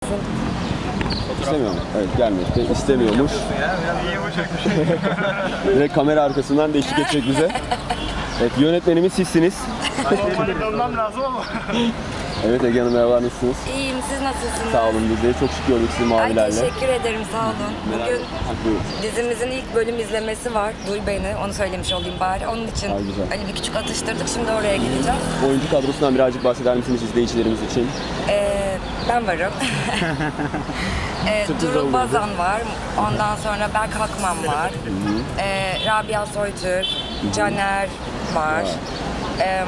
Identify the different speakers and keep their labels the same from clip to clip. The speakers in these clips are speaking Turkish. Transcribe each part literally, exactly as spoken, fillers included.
Speaker 1: gelsin.
Speaker 2: İstemiyor mu? Evet, gelmek de istemiyormuş. Ve kamera arkasından da eşlik edecek bize. Evet, yönetmenimiz sizsiniz.
Speaker 3: Normalde dönmem lazım ama.
Speaker 2: Evet Ege Hanım, merhaba, nasılsınız?
Speaker 1: İyiyim, siz nasılsınız?
Speaker 2: Sağ olun, biz de çok şık gördük sizi
Speaker 1: Ay
Speaker 2: mavilerle.
Speaker 1: teşekkür ederim, sağ olun. Bugün
Speaker 2: Buyurun.
Speaker 1: dizimizin ilk bölüm izlemesi var. Duy beni, onu söylemiş olayım bari. Onun için
Speaker 2: Ay, güzel.
Speaker 1: hani bir küçük atıştırdık, şimdi oraya gideceğiz.
Speaker 2: Oyuncu kadrosundan birazcık bahseder misiniz izleyicilerimiz için?
Speaker 1: Ee, ben varım. ee,
Speaker 2: Sürpriz
Speaker 1: Durul
Speaker 2: oldu.
Speaker 1: Bazan var. Ondan sonra Berk Hakman var. ee, Rabia Soytürk, Caner var. Ee,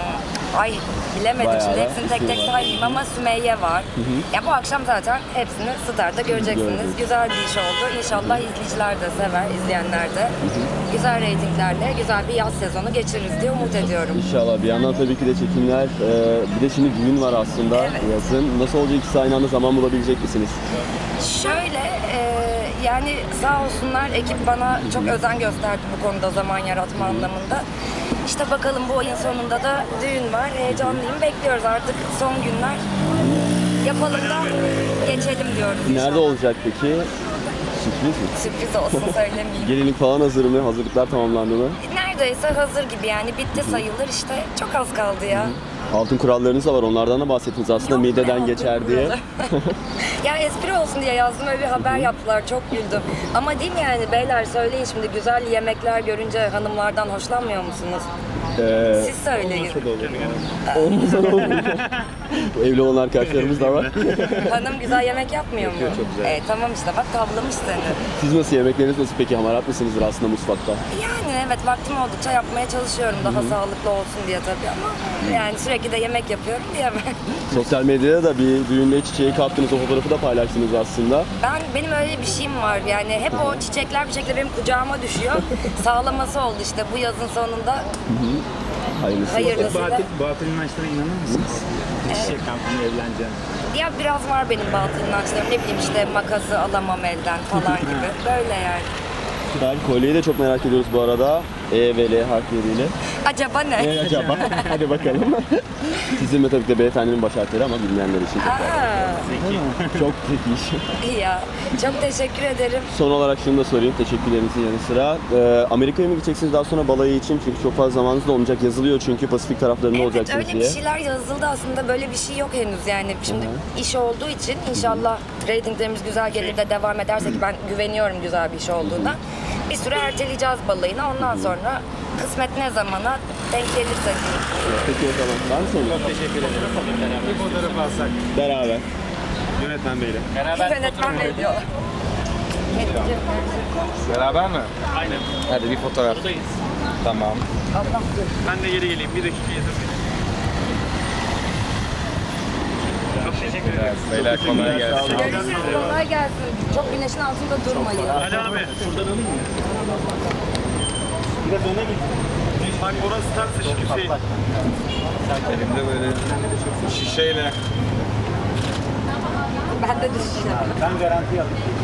Speaker 1: ay bilemedim
Speaker 2: Bayağı
Speaker 1: şimdi
Speaker 2: da
Speaker 1: hepsini tek tek
Speaker 2: ismi var.
Speaker 1: saymayayım ama Sümeyye var. Ya bu akşam zaten hepsini Star'da göreceksiniz.
Speaker 2: Göreceğiz.
Speaker 1: Güzel bir iş oldu. İnşallah izleyiciler de sever, izleyenler de. Güzel reytinglerle güzel bir yaz sezonu geçiririz diye umut ediyorum.
Speaker 2: İnşallah. Bir yandan tabii ki de çekimler, e, bir de şimdi düğün var aslında
Speaker 1: Evet.
Speaker 2: yazın. Nasıl olacak, ikisi aynı anda zaman bulabilecek misiniz?
Speaker 1: Şöyle, e, yani sağ olsunlar ekip bana çok özen gösterdi bu konuda zaman yaratma anlamında. İşte bakalım bu ayın sonunda da düğün var. Heyecanlıyım, bekliyoruz artık son günler. Yapalım da geçelim diyoruz
Speaker 2: Nerede
Speaker 1: inşallah.
Speaker 2: olacak peki? Sürpriz mi?
Speaker 1: Sürpriz olsun söylemeyeyim.
Speaker 2: Gelinlik falan hazır mı? Hazırlıklar tamamlandı mı?
Speaker 1: Neredeyse hazır gibi yani bitti sayılır işte çok az kaldı ya.
Speaker 2: Altın kurallarınız da var, onlardan da bahsettiniz aslında,
Speaker 1: Yok, ne
Speaker 2: mideden
Speaker 1: altın
Speaker 2: geçer diye.
Speaker 1: kuralı? Ya espri olsun diye yazdım, öyle bir haber yaptılar, çok güldüm. Ama değil mi yani beyler, söyleyin şimdi, güzel yemekler görünce hanımlardan hoşlanmıyor musunuz?
Speaker 2: Ee,
Speaker 1: Siz söyleyin.
Speaker 2: olmasa da olur. Bu evli olan arkadaşlarımız da var.
Speaker 1: Hanım güzel yemek yapmıyor mu?
Speaker 2: çok güzel.
Speaker 1: E, tamam işte bak, tavlamış seni.
Speaker 2: Siz nasıl, yemekleriniz nasıl peki? Hamarat mısınızdır aslında mutfakta?
Speaker 1: Yani evet, vaktim oldukça yapmaya çalışıyorum, daha sağlıklı olsun diye tabii ama yani sürekli de yemek yapıyorum diyemem.
Speaker 2: Sosyal medyada da bir düğünde çiçeği kaptınız, o fotoğrafı da paylaştınız aslında.
Speaker 1: Ben benim öyle bir şeyim var yani, hep o çiçekler bir şekilde benim kucağıma düşüyor. Sağlaması oldu işte bu yazın sonunda.
Speaker 2: Hayırlısı.
Speaker 1: Hayırlısı.
Speaker 3: Batıl, batıl inançlara inanır mısınız? Çiçek kampını evleneceğim.
Speaker 1: Ya biraz var benim batıl inançlarım, ne bileyim işte makası alamam elden falan gibi, böyle yani.
Speaker 2: Ben kolyeyi de çok merak ediyoruz bu arada. E ve L harfleriyle.
Speaker 1: Acaba ne?
Speaker 2: Ne acaba? Hadi bakalım. Sizin ve tabii ki de beyefendinin baş harfleri ama bilmeyenler için çok
Speaker 1: Aa,
Speaker 2: çok zeki.
Speaker 1: iyi ya. Çok teşekkür ederim.
Speaker 2: Son olarak şunu da sorayım, teşekkürlerinizin yanı sıra. Ee, Amerika'ya mı gideceksiniz daha sonra balayı için? Çünkü çok fazla zamanınız da olmayacak. Yazılıyor çünkü Pasifik taraflarında
Speaker 1: Evet,
Speaker 2: olacaksınız
Speaker 1: öyle
Speaker 2: diye.
Speaker 1: bir şeyler yazıldı aslında, böyle bir şey yok henüz yani. Şimdi iş olduğu için inşallah reytinglerimiz güzel gelir de devam ederse, ki ben güveniyorum güzel bir iş olduğuna. Bir süre erteleyeceğiz balayını, ondan sonra kısmet ne zamana denk gelirse diyeyim.
Speaker 2: Peki o zaman. Var mı sorun?
Speaker 3: Çok teşekkür ederim. Bir fotoğraf alsak.
Speaker 2: Beraber. Yönetmen beyle.
Speaker 3: Beraber
Speaker 1: Yönetmen Bey diyorlar.
Speaker 3: Beraber mi? Aynen. Hadi bir fotoğraf. Tamam.
Speaker 1: Allah.
Speaker 3: Ben de geri geleyim. Bir dakika izin verin. Çok teşekkür ederim. Beyler kolay gelsin.
Speaker 1: Görüşürüz, kolay gelsin. Çok güneşin altında durmayın.
Speaker 3: Ali abi. Şuradan alayım mı? Biraz öne git. Bak orası tam sıçık Hüseyin. Elimde böyle şişeyle.
Speaker 1: Ben de düşeceğim.
Speaker 3: Ben garanti alayım.